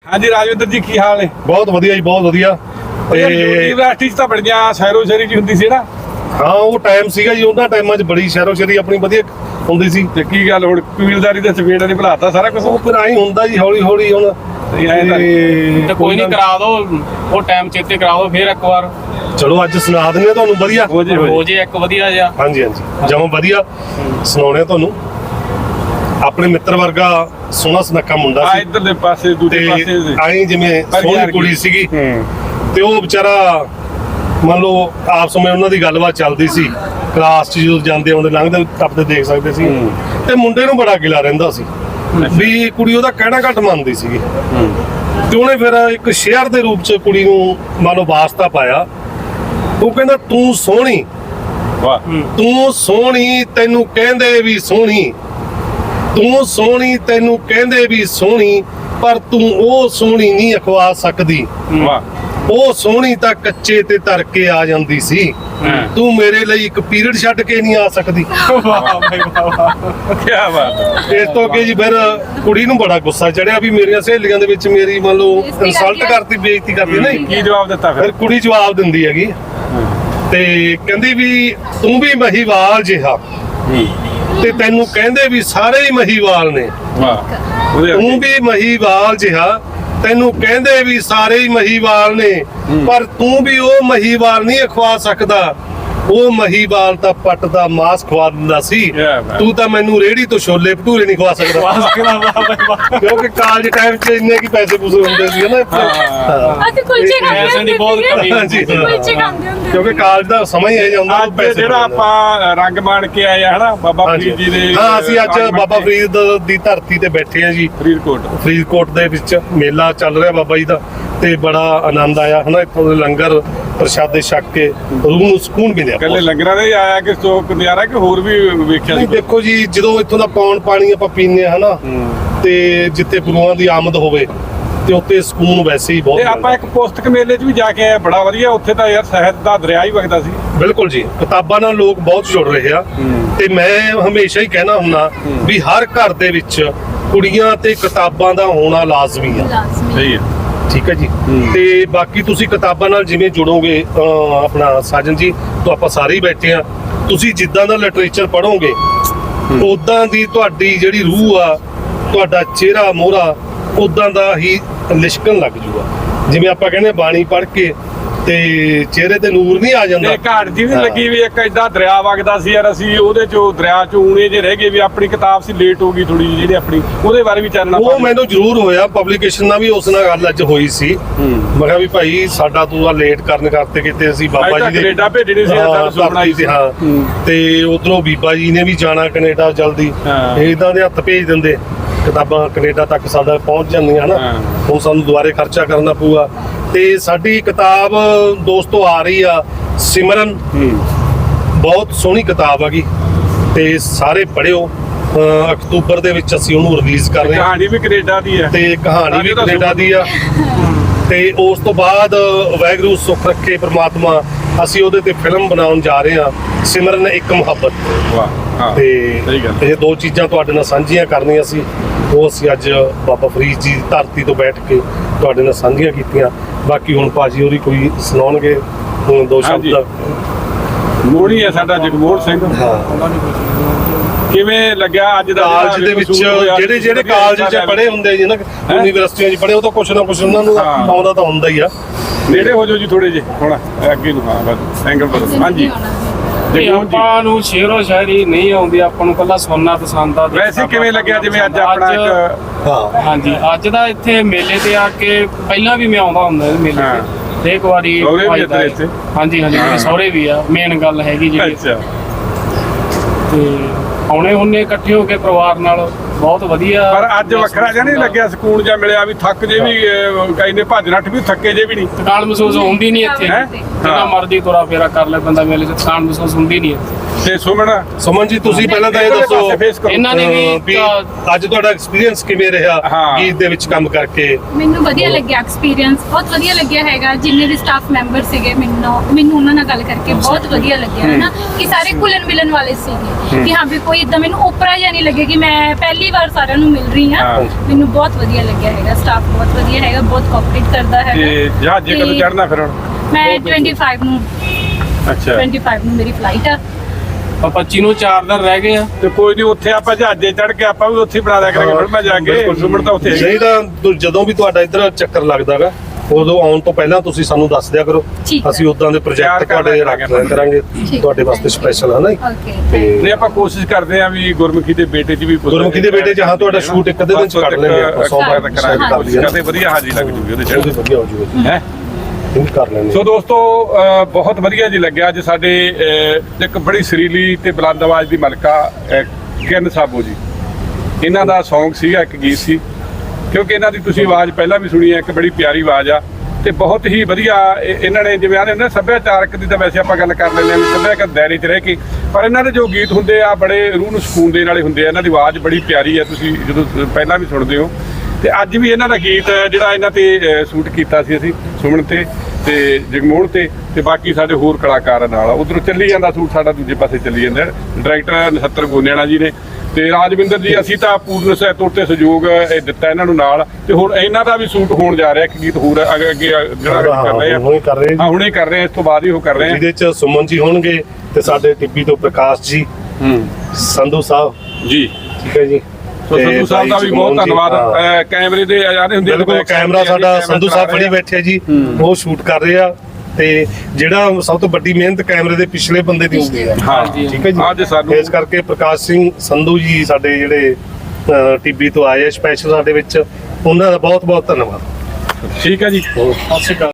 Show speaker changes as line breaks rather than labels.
ਹਾਂਜੀ ਰਾਜਵਿੰਦਰ ਜੀ ਕੀ ਹਾਲ ਨੇ?
ਬਹੁਤ ਵਧੀਆ ਜੀ, ਬਹੁਤ ਵਧੀਆ।
ਤੇ ਯੂਨੀਵਰਸਿਟੀ 'ਚ ਤਾਂ ਬੜੀਆਂ ਸ਼ਹਿਰੋ ਸ਼ਹਿਰੀ ਜੀ ਹੁੰਦੀ ਸੀ ਨਾ।
ਹਾਂ ਉਹ ਟਾਈਮ ਸੀਗਾ ਜੀ, ਉਹਨਾਂ ਟਾਈਮਾਂ 'ਚ ਬੜੀ ਸ਼ਹਿਰੋ ਸ਼ਹਿਰੀ ਆਪਣੀ ਵਧੀਆ ਹੁੰਦੀ ਸੀ।
ਤੇ ਕੀ ਗੱਲ ਹੁਣ ਕਬੀਲਦਾਰੀ ਦੇ ਸਪੀਡ ਨੇ ਭੁਲਾਤਾ ਸਾਰਾ ਕੁਝ।
ਉਹ ਫਿਰ ਆਈ ਹੁੰਦਾ ਜੀ ਹੌਲੀ ਹੌਲੀ ਹੁਣ।
ਤੇ ਕੋਈ ਨਹੀਂ ਕਰਾ ਦੋ, ਉਹ ਟਾਈਮ ਚੇਤੇ ਕਰਾ ਦੋ ਫਿਰ ਇੱਕ ਵਾਰ।
ਚਲੋ ਅੱਜ ਸੁਣਾ ਦਿੰਦੇ ਆ ਤੁਹਾਨੂੰ ਵਧੀਆ
ਹੋ ਜੇ ਇੱਕ ਵਧੀਆ ਜਿਹਾ।
ਹਾਂਜੀ ਹਾਂਜੀ ਜਮਾਂ ਵਧੀਆ ਸੁਣਾਉਣੇ ਆ ਤੁਹਾਨੂੰ। ਆਪਣੇ ਮਿੱਤਰ ਵਰਗਾ ਸੋਹਣਾ ਸੁਨੱਖਾ ਮੁੰਡਾ
ਆ
ਸੀ
ਇੱਧਰ ਦੇ ਪਾਸੇ ਦੂਜੇ
ਤੇ
ਪਾਸੇ
ਆਈ ਜਿਵੇਂ ਸੋਹਣੀ ਕੁੜੀ ਸੀਗੀ ਤੇ ਉਹ ਵਿਚਾਰਾ ਮੰਨ ਲਓ ਆਪਸ ਵਿੱਚ ਉਹਨਾਂ ਦੀ ਗੱਲਬਾਤ ਚੱਲਦੀ ਸੀ। ਕਲਾਸ 'ਚ ਜਦੋਂ ਜਾਂਦੇ ਆਉਂਦੇ ਲੰਘਦੇ ਟੱਪਦੇ ਦੇਖ ਸਕਦੇ ਸੀ ਤੇ ਮੁੰਡੇ ਨੂੰ ਬੜਾ ਗਿਲਾ ਰਹਿੰਦਾ ਸੀ ਵੀ ਕੁੜੀ ਉਹਦਾ ਕਹਿਣਾ ਘੱਟ ਮੰਨਦੀ ਸੀਗੀ। ਤੇ ਉਹਨੇ ਫਿਰ ਇੱਕ ਸ਼ੇਅਰ ਦੇ ਰੂਪ 'ਚ ਕੁੜੀ ਨੂੰ ਮੰਨ ਲਓ ਵਾਸਤਾ ਪਾਇਆ। ਉਹ ਕਹਿੰਦਾ ਤੂੰ ਸੋਹਣੀ,
ਵਾਹ
ਤੂੰ ਸੋਹਣੀ, ਤੈਨੂੰ ਕਹਿੰਦੇ ਵੀ ਸੋਹਣੀ, ਤੂੰ ਸੋਹਣੀ, ਤੈਨੂੰ ਕਹਿੰਦੇ ਵੀ ਸੋਹਣੀ, ਪਰ ਤੂੰ ਉਹ ਸੋਹਣੀ ਨਹੀਂ ਅਖਵਾ ਸਕਦੀ।
ਵਾਹ
ਉਹ ਸੋਹਣੀ ਤਾਂ ਕੱਚੇ ਤੇ ਧਰ ਕੇ ਆ ਜਾਂਦੀ ਸੀ, ਤੂੰ ਮੇਰੇ ਲਈ ਇੱਕ ਪੀਰੀਅਡ ਛੱਡ ਕੇ ਨਹੀਂ ਆ ਸਕਦੀ।
ਵਾਹ ਭਾਈ ਵਾਹ ਕੀ ਬਾਤ।
ਇਸ ਤੋਂ ਅੱਗੇ ਜੀ ਫਿਰ ਕੁੜੀ ਨੂੰ ਬੜਾ ਗੁੱਸਾ ਚੜਿਆ ਵੀ ਮੇਰੀਆਂ ਸਹੇਲੀਆਂ ਦੇ ਵਿੱਚ ਮੇਰੀ ਮੰਨ ਲਓ ਇਨਸਲਟ ਕਰਤੀ, ਬੇਇੱਜ਼ਤੀ ਕਰਤੀ। ਨਹੀਂ
ਕੀ ਜਵਾਬ ਦਿੱਤਾ
ਫਿਰ
ਫਿਰ?
ਕੁੜੀ ਜਵਾਬ ਦਿੰਦੀ ਹੈਗੀ ਤੇ ਕਹਿੰਦੀ ਵੀ ਤੂੰ ਵੀ ਮਹੀਵਾਲ ਜਿਹਾ ਤੇ ਤੈਨੂੰ ਕਹਿੰਦੇ ਵੀ ਸਾਰੇ ਹੀ ਮਹੀਵਾਲ ਨੇ।
ਵਾਹ ਉਹਦੇ
ਤੂੰ ਵੀ ਮਹੀਵਾਲ ਜਿਹਾ, ਤੈਨੂੰ ਕਹਿੰਦੇ ਵੀ ਸਾਰੇ ਹੀ ਮਹੀਵਾਲ ਨੇ, ਪਰ ਤੂੰ ਵੀ ਉਹ ਮਹੀਵਾਲ ਨਹੀਂ ਖਵਾ ਸਕਦਾ। ਉਹ ਮਹੀਵਾਲ ਤਾਂ ਪੱਟ ਦਾ ਮਾਸ ਖਵਾ ਦਿੰਦਾ ਸੀ, ਤੂੰ ਤਾਂ ਮੈਨੂੰ ਰੇਹੜੀ ਤੋਂ ਛੋਲੇ ਭਟੂਰੇ ਨਹੀਂ ਖਵਾ ਸਕਦਾ। ਕਿਉਂਕਿ ਕਾਲਜ ਟਾਈਮ 'ਚ ਇੰਨੇ ਕੀ ਪੈਸੇ ਪੂਸੇ ਹੁੰਦੇ ਸੀ ਨਾ।
ਅਸੀਂ ਕੁਲਚੇ ਖਾਂਦੇ
ਦੀ ਬਹੁਤ ਕਮੀ
ਹਾਂਜੀ
ਕੁਲਚੇ ਖਾਂਦੇ ਹੁੰਦੇ।
ਕਿਉਂਕਿ ਕਾਲਜ ਦਾ ਸਮਾਂ ਹੀ ਇਹ ਜਾਂਦਾ
ਅੱਜ ਜਿਹੜਾ ਆਪਾਂ ਰੰਗ ਮਾਣ ਕੇ ਆਏ ਆ ਹਨਾ ਬਾਬਾ ਫਰੀਦ ਜੀ ਦੇ।
ਹਾਂ ਅਸੀਂ ਅੱਜ ਬਾਬਾ ਫਰੀਦ ਦੀ ਧਰਤੀ ਤੇ ਬੈਠੇ ਆ ਜੀ। ਫਰੀਦਕੋਟ ਦੇ ਵਿੱਚ ਮੇਲਾ ਚੱਲ ਰਿਹਾ ਬਾਬਾ ਜੀ ਦਾ ਤੇ ਬੜਾ ਆਨੰਦ ਆਇਆ ਹਨਾ। ਇੱਥੋਂ ਦੇ ਲੰਗਰ ਪ੍ਰਸ਼ਾਦੇ ਛਕ ਕੇ ਰੂਹ ਨੂੰ ਸਕੂਨ ਮਿਲਿਆ।
ਕੱਲੇ ਲੰਗਰਾਂ ਦੇ ਆਇਆ ਕਿ ਸੋਕ ਨਜ਼ਾਰਾ ਕਿ ਹੋਰ ਵੀ ਵੇਖਿਆ?
ਨਹੀਂ ਦੇਖੋ ਜੀ ਜਦੋਂ ਇੱਥੋਂ ਦਾ ਪੌਣ ਪਾਣੀ ਆਪਾਂ ਪੀਂਦੇ ਆ ਹਨਾ ਤੇ ਜਿੱਥੇ ਗੁਰੂਆਂ ਦੀ ਆਮਦ ਹੋਵੇ ਤੇ ਉੱਥੇ ਸਕੂਨ ਵੈਸੇ ਹੀ ਬਹੁਤ।
ਤੇ ਆਪਾਂ ਇੱਕ ਪੁਸਤਕ ਮੇਲੇ 'ਚ ਵੀ ਜਾ ਕੇ ਆਏ, ਬੜਾ ਵਧੀਆ। ਉੱਥੇ ਤਾਂ ਯਾਰ ਸਾਹਿਤ ਦਾ ਦਰਿਆ ਹੀ ਵਗਦਾ ਸੀ।
ਬਿਲਕੁਲ ਜੀ, ਕਿਤਾਬਾਂ ਨਾਲ ਲੋਕ ਬਹੁਤ ਜੁੜ ਰਹੇ ਆ ਤੇ ਮੈਂ ਹਮੇਸ਼ਾ ਹੀ ਕਹਿਣਾ ਹੁੰਦਾ ਵੀ ਹਰ ਘਰ ਦੇ ਵਿੱਚ ਕੁੜੀਆਂ ਤੇ ਕਿਤਾਬਾਂ ਦਾ ਹੋਣਾ ਲਾਜ਼ਮੀ ਆ।
ਸਹੀ ਹੈ,
ਠੀਕ ਹੈ ਜੀ। ਤੇ ਬਾਕੀ ਤੁਸੀਂ ਕਿਤਾਬਾਂ ਨਾਲ ਜਿਵੇਂ ਜੁੜੋਗੇ ਆਪਣਾ ਸਾਜਨ ਜੀ ਤੋਂ ਆਪਾਂ ਸਾਰੇ ਹੀ ਬੈਠੇ ਆ, ਤੁਸੀਂ ਜਿੱਦਾਂ ਦਾ ਲਿਟਰੇਚਰ ਪੜ੍ਹੋਗੇ ਉਦਾਂ ਦੀ ਤੁਹਾਡੀ ਜਿਹੜੀ ਰੂਹ ਆ, ਤੁਹਾਡਾ ਚਿਹਰਾ ਮੋਹਰਾ ਉਦਾਂ ਦਾ ਹੀ ਲਿਸ਼ਕਣ ਲੱਗ ਜੂਗਾ। ਜਿਵੇਂ ਆਪਾਂ ਕਹਿੰਦੇ ਬਾਣੀ ਪੜ੍ਹ ਕੇ ਤੇ ਚਿਹਰੇ ਤੇ ਨੂਰ ਨਹੀਂ ਆ ਜਾਂਦਾ।
ਤੇ ਘਾਟ ਜੀ ਵੀ ਲੱਗੀ ਵੀ ਇੱਕ ਏਦਾਂ ਦਰਿਆ ਵਗਦਾ ਸੀ ਯਾਰ। ਅਸੀਂ ਉਹਦੇ ਚੋਂ ਦਰਿਆ ਚੋਂ ਊਣੇ ਜੇ ਰਹਿ ਗਏ ਵੀ ਆਪਣੀ ਕਿਤਾਬ ਸੀ ਲੇਟ ਹੋ ਗਈ ਥੋੜੀ ਜਿਹੀ ਜਿਹੜੀ ਆਪਣੀ, ਉਹਦੇ ਬਾਰੇ ਵੀ ਚਾਨਣਾ
ਉਹ ਮੈਨੂੰ ਜ਼ਰੂਰ ਹੋਇਆ। ਪਬਲੀਕੇਸ਼ਨ ਨਾਲ ਵੀ ਉਸ ਨਾਲ ਗੱਲ ਅੱਜ ਹੋਈ ਸੀ। ਮੈਂ ਕਿਹਾ ਵੀ ਭਾਈ ਸਾਡਾ ਤੂੰ ਆ ਲੇਟ ਕਰਨ ਕਰਤੇ ਕਿਤੇ ਅਸੀਂ ਬਾਬਾ ਜੀ ਦੇ
ਕੈਨੇਡਾ ਭੇਜਣੀ ਸੀ ਸਾਨੂੰ ਸੁਣਾਈ ਸੀ।
ਹਾਂ ਤੇ ਉਧਰੋਂ ਬੀਬਾ ਜੀ ਨੇ ਵੀ ਜਾਣਾ ਕੈਨੇਡਾ ਜਲਦੀ, ਇਦਾਂ ਦੇ ਹੱਥ ਭੇਜ ਦਿੰਦੇ ਕਿਤਾਬਾਂ ਕੈਨੇਡਾ ਤੱਕ ਸਾਡਾ ਪਹੁੰਚ ਜਾਂਦੀਆਂ ਹਨਾ। ਹੁਣ ਸਾਨੂੰ ਦੁਬਾਰੇ ਖਰਚਾ ਕਰਨਾ ਪਊਗਾ। ਤੇ ਸਾਡੀ ਕਿਤਾਬ ਦੋਸਤੋ ਆ ਰਹੀ ਆ ਸਿਮਰਨ, ਬਹੁਤ ਸੋਹਣੀ ਕਿਤਾਬ ਹੈਗੀ ਤੇ ਸਾਰੇ ਪੜ੍ਹਿਓ। ਅਕਤੂਬਰ ਦੇ ਵਿੱਚ ਅਸੀਂ ਉਹਨੂੰ ਰਿਲੀਜ਼ ਕਰ ਰਹੇ ਹਾਂ।
ਕਹਾਣੀ ਵੀ ਕੈਨੇਡਾ ਦੀ ਹੈ
ਤੇ ਕਹਾਣੀ ਵੀ ਕੈਨੇਡਾ ਦੀ ਆ। ਤੇ ਉਸ ਤੋਂ ਬਾਅਦ ਵਾਹਿਗੁਰੂ ਸੁੱਖ ਰੱਖੇ ਪ੍ਰਮਾਤਮਾ ਅਸੀਂ ਉਹਦੇ ਤੇ ਫਿਲਮ ਬਣਾਉਣ ਜਾ ਰਹੇ ਹਾਂ, ਸਿਮਰਨ ਇੱਕ ਮੁਹੱਬਤ।
ਵਾਹ
ਤੇ
ਸਹੀ ਗੱਲ।
ਇਹ ਦੋ ਚੀਜ਼ਾਂ ਤੁਹਾਡੇ ਨਾਲ ਸਾਂਝੀਆਂ ਕਰਨੀਆਂ ਸੀ, ਉਹ ਅਸੀਂ ਅੱਜ ਬਾਬਾ ਫਰੀਦ ਜੀ ਦੀ ਧਰਤੀ ਤੋਂ ਬੈਠ ਕੇ ਤੁਹਾਡੇ ਨਾਲ ਸਾਂਝੀਆਂ ਕੀਤੀਆਂ। ਬਾਕੀ ਹੁਣ ਭਾਜੀ ਹੋਰੀ ਕੋਈ ਸੁਣਾਉਣਗੇ ਹੁਣ ਦੋ ਸ਼ਬਦ।
ਮੋੜੀ ਹੈ ਸਾਡਾ ਜਗਮੋਹਨ ਸਿੰਘ। ਕਿਵੇਂ ਲੱਗਿਆ ਅੱਜ ਦਾ
ਕਾਲਜ ਦੇ ਵਿੱਚ ਜਿਹੜੇ ਕਾਲਜ 'ਚ ਪੜ੍ਹੇ ਹੁੰਦੇ ਜੀ ਨਾ, ਯੂਨੀਵਰਸਿਟੀਆਂ 'ਚ ਪੜ੍ਹੇ, ਉਹ ਤਾਂ ਕੁਛ ਨਾ ਕੁਛ ਉਹਨਾਂ ਨੂੰ ਆਉਂਦਾ ਤਾਂ ਹੁੰਦਾ ਹੀ ਆ।
ਨੇੜੇ ਹੋ ਜਾਓ ਜੀ ਥੋੜੇ ਜਿਹੇ ਹੁਣ ਅੱਗੇ ਨੂੰ। ਹਾਂ ਬਸ ਐਂਗਲ ਬਦਲ। ਹਾਂਜੀ
ਆਪਾਂ ਨੂੰ ਸ਼ੇਰੋ ਸ਼ਾਇਰੀ ਨਹੀਂ ਆਉਂਦੀ, ਆਪਾਂ ਨੂੰ ਕੱਲਾ ਸੁਣਨਾ ਪਸੰਦ ਆ।
ਵੈਸੇ ਕਿਵੇਂ ਲੱਗਿਆ ਜਿਵੇਂ ਅੱਜ ਆਪਣਾ ਇੱਕ?
ਹਾਂਜੀ ਅੱਜ ਦਾ ਇੱਥੇ ਮੇਲੇ ਤੇ ਆ ਕੇ ਪਹਿਲਾਂ ਵੀ ਮੈਂ ਆਉਂਦਾ ਹੁੰਦਾ ਮੇਲੇ ਤੇ ਇੱਕ ਵਾਰੀ। ਹਾਂਜੀ ਹਾਂਜੀ ਮੇਰੇ ਸਹੁਰੇ ਵੀ ਆ, ਮੇਨ ਗੱਲ ਹੈਗੀ ਜਿਹੜੀ। ਤੇ ਆਉਣੇ ਹੁੰਨੇ ਇਕੱਠੇ ਹੋ ਕੇ ਪਰਿਵਾਰ ਨਾਲ, ਬਹੁਤ ਵਧੀਆ।
ਪਰ ਅੱਜ ਵੱਖਰਾ ਜਿਹਾ ਨਹੀਂ ਲੱਗਿਆ, ਸਕੂਨ ਜਿਹਾ ਮਿਲਿਆ ਵੀ ਥੱਕ ਜੇ ਵੀ ਕਈ ਨੇ ਭੱਜ ਨੱਠ ਵੀ ਥੱਕੇ ਜੇ ਵੀ ਨਹੀਂ।
ਥਕਾਨ ਮਹਿਸੂਸ ਹੁੰਦੀ ਨਹੀਂ ਇੱਥੇ, ਜਿੰਨਾ ਮਰਜ਼ੀ ਤੁਰਾ ਫੇਰਾ ਕਰ ਲੈ ਬੰਦਾ ਮੇਲੇ 'ਚ, ਥਕਾਨ ਮਹਿਸੂਸ ਹੁੰਦੀ ਨਹੀਂ ਇੱਥੇ।
ਤੇ
ਸੁਮਨ ਜੀ ਤੁਸੀਂ ਪਹਿਲਾਂ ਤਾਂ ਇਹ ਦੱਸੋ
ਇਹਨਾਂ ਨੇ
ਵੀ ਅੱਜ ਤੁਹਾਡਾ ਐਕਸਪੀਰੀਅੰਸ ਕਿਵੇਂ ਰਿਹਾ ਗੀਤ ਦੇ ਵਿੱਚ ਕੰਮ ਕਰਕੇ?
ਮੈਨੂੰ ਵਧੀਆ ਲੱਗਿਆ ਐਕਸਪੀਰੀਅੰਸ, ਬਹੁਤ ਵਧੀਆ ਲੱਗਿਆ ਹੈਗਾ। ਜਿੰਨੇ ਵੀ ਸਟਾਫ ਮੈਂਬਰ ਸੀਗੇ ਮੈਨੂੰ ਉਹਨਾਂ ਨਾਲ ਗੱਲ ਕਰਕੇ ਬਹੁਤ ਵਧੀਆ ਲੱਗਿਆ ਹੈ ਨਾ, ਕਿ ਸਾਰੇ ਘੁਲਣ ਮਿਲਣ ਵਾਲੇ ਸੀਗੇ, ਕਿ ਹਾਂ ਵੀ ਕੋਈ ਇਦਾਂ ਮੈਨੂੰ ਓਪਰਾ ਜਿਹਾ ਨਹੀਂ ਲੱਗੇ ਕਿ ਮੈਂ ਪਹਿਲੀ ਵਾਰ ਸਾਰਿਆਂ ਨੂੰ ਮਿਲ ਰਹੀ ਹਾਂ। ਮੈਨੂੰ ਬਹੁਤ ਵਧੀਆ ਲੱਗਿਆ ਹੈਗਾ, ਸਟਾਫ ਬਹੁਤ ਵਧੀਆ ਹੈਗਾ, ਬਹੁਤ ਕੋਆਪਰੇਟ ਕਰਦਾ ਹੈਗਾ।
ਤੇ ਜਹਾਜ਼ੇ ਕਦੋਂ ਚੜਨਾ ਫਿਰ ਹੁਣ?
ਮੈਂ 25 ਨੂੰ
ਅੱਛਾ
25 ਨੂੰ ਮੇਰੀ ਫਲਾਈਟ ਆ।
25 ਨੂੰ 4 ਦਿਨ ਰਹਿ ਗਏ ਆ।
ਤੇ ਕੋਈ ਨਹੀਂ, ਉੱਥੇ ਆਪਾਂ ਜਹਾਜ਼ੇ ਚੜ ਕੇ ਆਪਾਂ ਵੀ ਉੱਥੇ ਬਣਾ ਦਿਆ ਕਰਾਂਗੇ ਫਿਲਮਾਂ ਜਾ ਕੇ। ਸੁਮਨ ਤਾਂ ਉੱਥੇ
ਨਹੀਂ ਤਾਂ ਜਦੋਂ ਵੀ ਤੁਹਾਡਾ ਇੱਧਰ ਚੱਕਰ ਲੱਗਦਾਗਾ ਉਦੋਂ ਆਉਣ ਤੋਂ ਪਹਿਲਾਂ ਤੁਸੀਂ ਸਾਨੂੰ ਦੱਸ ਦਿਆ ਕਰੋ, ਅਸੀਂ ਉਦਾਂ ਦੇ ਪ੍ਰੋਜੈਕਟ ਤੁਹਾਡੇ ਰੱਖ ਲਿਆ ਕਰਾਂਗੇ ਤੁਹਾਡੇ ਵਾਸਤੇ ਸਪੈਸ਼ਲ, ਹੈ ਨਾ।
ਓਕੇ
ਨਹੀਂ ਆਪਾਂ ਕੋਸ਼ਿਸ਼ ਕਰਦੇ ਆਂ ਵੀ ਗੁਰਮੁਖੀ ਦੇ ਬੇਟੇ 'ਚ ਵੀ
ਗੁਰਮੁਖੀ ਦੇ ਬੇਟੇ 'ਚ ਹਾਂ ਤੁਹਾਡਾ ਸ਼ੂਟ ਇੱਕ ਅੱਧੇ ਦਿਨ 'ਚ ਕਰ ਲੈਂਗੇ ਆਪਾਂ, 100
ਤੱਕ ਕਰਾਂਗੇ, ਕਦੇ ਵਧੀਆ ਹਾਜ਼ਰੀ ਲੱਗ ਜੂਗੀ ਉਹਦੇ 'ਚ,
ਵਧੀਆ ਹੋ ਜੂਗਾ
ਹੈ।
ਕਰ ਲੈਂਦੇ।
ਸੋ ਦੋਸਤੋ ਬਹੁਤ ਵਧੀਆ ਜੀ ਲੱਗਿਆ ਅੱਜ ਸਾਡੇ ਇੱਕ ਬੜੀ ਸੁਰੀਲੀ ਤੇ ਬੁਲੰਦ ਆਵਾਜ਼ ਦੀ ਮਲਕਾ ਕਿਰਨ ਸਾਬੋ ਜੀ, ਇਹਨਾਂ ਦਾ Song ਸੀਗਾ, ਇੱਕ ਗੀਤ ਸੀ, ਕਿਉਂਕਿ ਇਹਨਾਂ ਦੀ ਤੁਸੀਂ ਆਵਾਜ਼ ਪਹਿਲਾਂ ਵੀ ਸੁਣੀ ਹੈ, ਇੱਕ ਬੜੀ ਪਿਆਰੀ ਆਵਾਜ਼ ਆ ਤੇ ਬਹੁਤ ਹੀ ਵਧੀਆ ਇਹਨਾਂ ਨੇ ਜਿਵੇਂ ਆਦੇ ਹੁੰਦੇ ਸੱਭਿਆਚਾਰਕ ਦੀ ਤਾਂ ਵੈਸੇ ਆਪਾਂ ਗੱਲ ਕਰ ਲੈਂਦੇ ਹਾਂ ਵੀ ਸੱਭਿਆਚਾਰਕ ਦਾਇਰੇ 'ਚ ਰਹਿ ਕੇ, ਪਰ ਇਹਨਾਂ ਦੇ ਜੋ ਗੀਤ ਹੁੰਦੇ ਆ ਬੜੇ ਰੂਹ ਨੂੰ ਸਕੂਨ ਦੇਣ ਵਾਲੇ ਹੁੰਦੇ ਆ। ਇਹਨਾਂ ਦੀ ਆਵਾਜ਼ ਬੜੀ ਪਿਆਰੀ ਆ, ਤੁਸੀਂ ਜਦੋਂ ਪਹਿਲਾਂ ਵੀ ਸੁਣਦੇ ਹੋ। ਤੇ ਅੱਜ ਵੀ ਇਹਨਾਂ ਦਾ ਗੀਤ ਜਿਹੜਾ ਇਹਨਾਂ ਤੇ ਸ਼ੂਟ ਕੀਤਾ ਸੀ ਅਸੀਂ, ਸੁਮਨ ਤੇ ਜਗਮੋਹਨ ਤੇ ਬਾਕੀ ਸਾਡੇ ਹੋਰ ਕਲਾਕਾਰਾਂ ਨਾਲ ਉਧਰੋਂ ਚੱਲੀ ਜਾਂਦਾ ਸ਼ੂਟ, ਸਾਡਾ ਦੂਜੇ ਪਾਸੇ ਚੱਲੀ ਜਾਂਦਾ। ਡਾਇਰੈਕਟਰ ਨਛੱਤਰ ਗੋਨਿਆਣਾ ਜੀ ਨੇ ਤੇ ਰਾਜਵਿੰਦਰ ਜੀ, ਅਸੀਂ ਤਾਂ ਪੂਰਨ ਤੌਰ ਤੇ ਸਹਿਯੋਗ ਦਿੱਤਾ ਇਹਨਾਂ ਨੂੰ ਨਾਲ। ਤੇ ਹੁਣ ਇਹਨਾਂ ਦਾ ਵੀ ਸ਼ੂਟ ਹੋਣ ਜਾ ਰਿਹਾ, ਇੱਕ ਗੀਤ ਹੋਰ ਅੱਗੇ ਜਿਹੜਾ ਕਰ ਰਹੇ ਆ, ਹੁਣੇ ਕਰ ਰਹੇ ਆ, ਇਸ ਤੋਂ ਬਾਅਦ ਹੀ ਉਹ ਕਰ ਰਹੇ ਆ।
ਜਿਹਦੇ ਚ ਸੁਮਨ ਜੀ ਹੋਣਗੇ ਤੇ ਸਾਡੇ ਟਿੱਬੀ ਤੋਂ ਪ੍ਰਕਾਸ਼ ਜੀ, ਸੰਧੂ ਸਾਹਿਬ
ਜੀ,
ਠੀਕ ਹੈ ਜੀ।
ਸੰਧੂ ਸਾਹਿਬ ਦਾ ਵੀ ਬਹੁਤ ਧੰਨਵਾਦ। ਕੈਮਰੇ ਦੇ ਆਜ਼ਾਦ ਹੁੰਦੇ
ਬਿਲਕੁਲ, ਕੈਮਰਾ ਸਾਡਾ ਸੰਧੂ ਸਾਹਿਬ ਫੜੀ ਬੈਠੇ ਜੀ, ਉਹ ਸ਼ੂਟ ਕਰ ਰਹੇ ਆ। ਤੇ ਜਿਹੜਾ ਸਭ ਤੋਂ ਵੱਡੀ ਮਿਹਨਤ ਕੈਮਰੇ ਦੇ ਪਿਛਲੇ ਬੰਦੇ ਦੀ ਹੁੰਦੀ ਹੈ, ਠੀਕ ਹੈ ਜੀ।
ਅੱਜ ਸਾਨੂੰ
ਇਸ ਕਰਕੇ ਪ੍ਰਕਾਸ਼ ਸਿੰਘ ਸੰਧੂ ਜੀ ਸਾਡੇ ਜਿਹੜੇ ਟੀਬੀ ਤੋਂ ਆਏ ਸਪੈਸ਼ਲ ਸਾਡੇ ਵਿੱਚ, ਉਹਨਾਂ ਦਾ ਬਹੁਤ ਬਹੁਤ ਧੰਨਵਾਦ।
ਠੀਕ ਹੈ ਜੀ।
ਸਤਿ ਸ਼੍ਰੀ ਅਕਾਲ।